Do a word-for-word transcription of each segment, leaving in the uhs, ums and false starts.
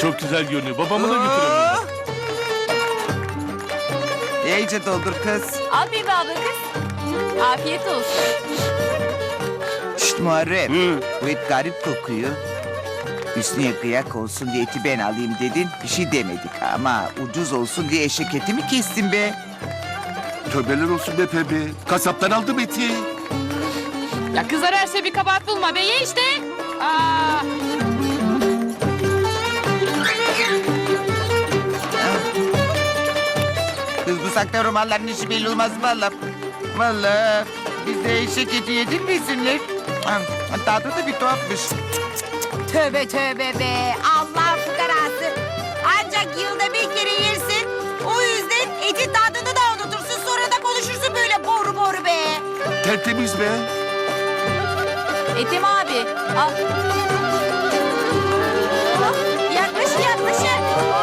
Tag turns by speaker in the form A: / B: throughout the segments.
A: Çok güzel görünüyor. Babamı da götürelim.
B: İyice doldur kız.
C: Al bir abla kız. Afiyet olsun.
B: Şşt Muharrem.
A: Hı.
B: Bu et garip kokuyor. Üstüne kıyak olsun diye eti ben alayım dedin. Bir şey demedik ama ucuz olsun diye eşek eti mi kestin be?
A: Tövbeler olsun be Pembe. Kasaptan aldım eti.
C: Ya kızlar her şey bir kabahat bulma be ye işte. Aa.
B: Kız bu sakla romanların işi belli olmaz valla. Valla biz de eşek eti yedik misinler? Tadı da bir tuhafmış.
D: Tövbe tövbe be. Allah fukarası. Ancak yılda bir kere yersin. O yüzden etin tadını da unutursun. Sonra da konuşursun böyle boru boru be.
A: Tertemiz be.
C: Etim abi al.
D: Yaklaşın yaklaşın.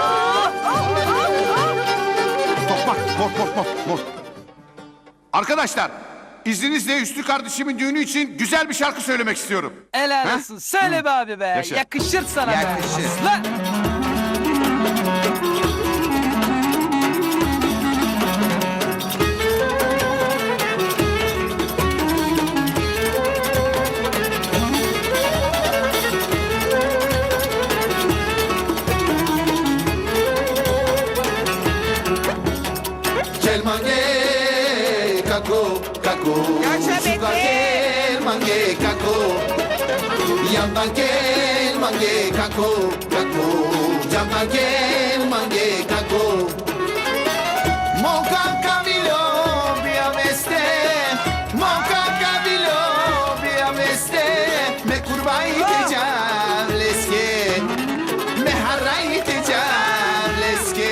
E: Tokmak, mor, mor, mor, mor. Arkadaşlar, izninizle Üstü kardeşimin düğünü için güzel bir şarkı söylemek istiyorum.
F: Helal
E: Ha?
F: olsun. Söyle be abi be.
E: Yaşa.
F: Yakışır sana be.
B: Yakışır.
F: Lan.
G: Gel mange kako kako
B: Yaşa be
G: Suka
B: be.
G: gel mange kako Yandan gel mange kako kako Yandan gel mange kako Monkan kamilo bia meste Monkan kamilo bia meste Me kurbai tecam leske Me harrai tecam leske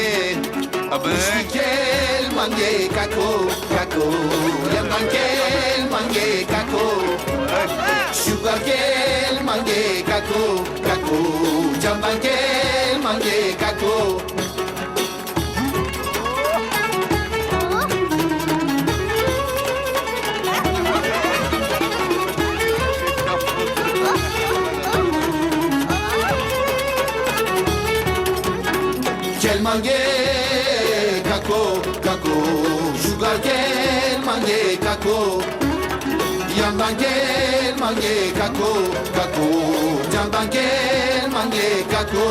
G: Gel mange kako kako Yandan gel mange kako Sugar gel mange kako kako Yandan gel mange kako Gel mange kako kako Sugar gel mange kako Yandan gel mange kako kako Yandan gel mange kako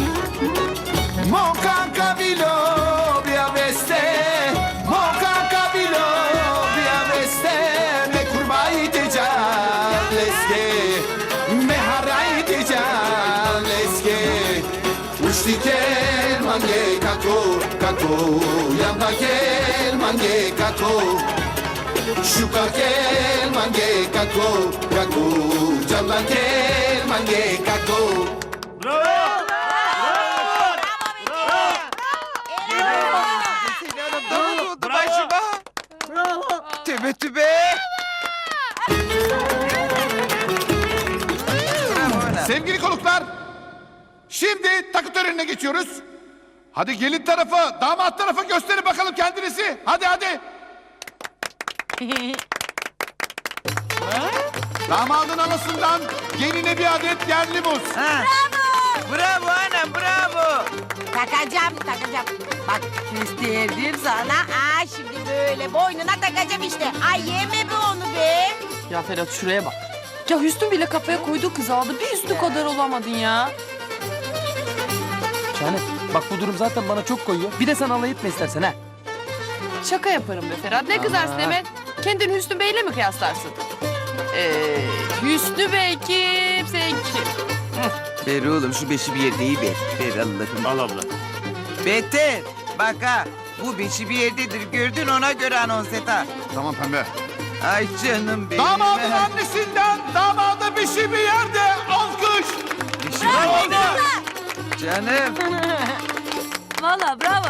G: Monkan kabilo bia beste Monkan kabilo bia beste Me kurbai tecam leske Me harai tecam leske Ushti gel mange kako kako Yandan gel mange kako Sugar gel mange kako kako Yandan gel mange kako
B: Tübe tübe.
E: Sevgili konuklar, şimdi takı törenine geçiyoruz. Hadi gelin tarafa, damat tarafa gösterin bakalım kendinizi. Hadi hadi. Damadın anasından geline bir adet yerli muz.
B: Ha. Bravo anam bravo.
D: Takacağım takacağım. Bak gösterdim sana. Aa şimdi böyle boynuna takacağım işte. Ay yeme be onu be.
C: Ya Ferhat şuraya bak. Ya Hüsnü bile kafaya koyduğu kızı aldı. Bir Hüsnü kadar olamadın ya.
F: Şahane. Bak bu durum zaten bana çok koyuyor. Bir de sen alay etme istersen ha.
C: Şaka yaparım be Ferhat. Ne kızarsın hemen? Kendini Hüsnü Bey'le mi kıyaslarsın? Ee, Hüsnü Bey kim? Sen kim?
B: Ver oğlum şu beşi bir yerde iyi ver. Ver Allah'ım.
A: Al abla.
B: Beter. Bak ha. Bu beşi bir yerdedir. Gördün ona göre anons et ha.
E: Tamam pembe.
B: Ay canım benim.
E: Damadın annesinden damada bir şey bir yerde alkış.
B: Beşi bir yerde. Canım.
C: Valla bravo.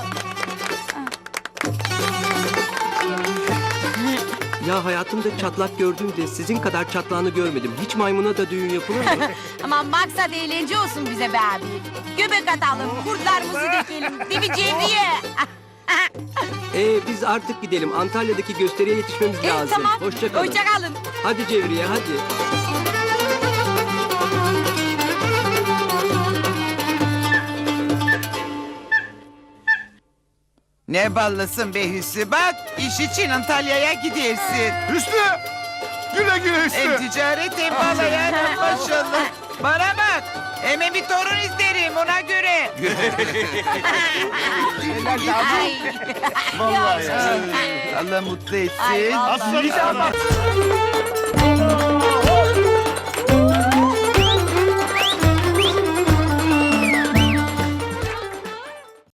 H: Ya hayatımda çatlak gördüğümde sizin kadar çatlağını görmedim. Hiç maymuna da düğün yapılır mı?
D: Aman maksat eğlence olsun bize be abi. Göbek atalım, kurtlarımızı dökelim. Değil mi Cevriye?
H: Ee, biz artık gidelim. Antalya'daki gösteriye yetişmemiz
D: E,
H: lazım.
D: tamam.
H: Hoşça kalın.
D: Hoşça kalın.
H: Hadi Cevriye hadi.
B: Ne ballısın be Hüsnü, bak iş için Antalya'ya gidersin.
E: Hüsnü! Güle güle Hüsnü!
B: Hem ticaret hem balayan maşallah. Bana bak, hemen bir torun isterim ona göre.
D: Ay.
B: Vallahi Allah mutlu etsin.
D: Ay vallahi.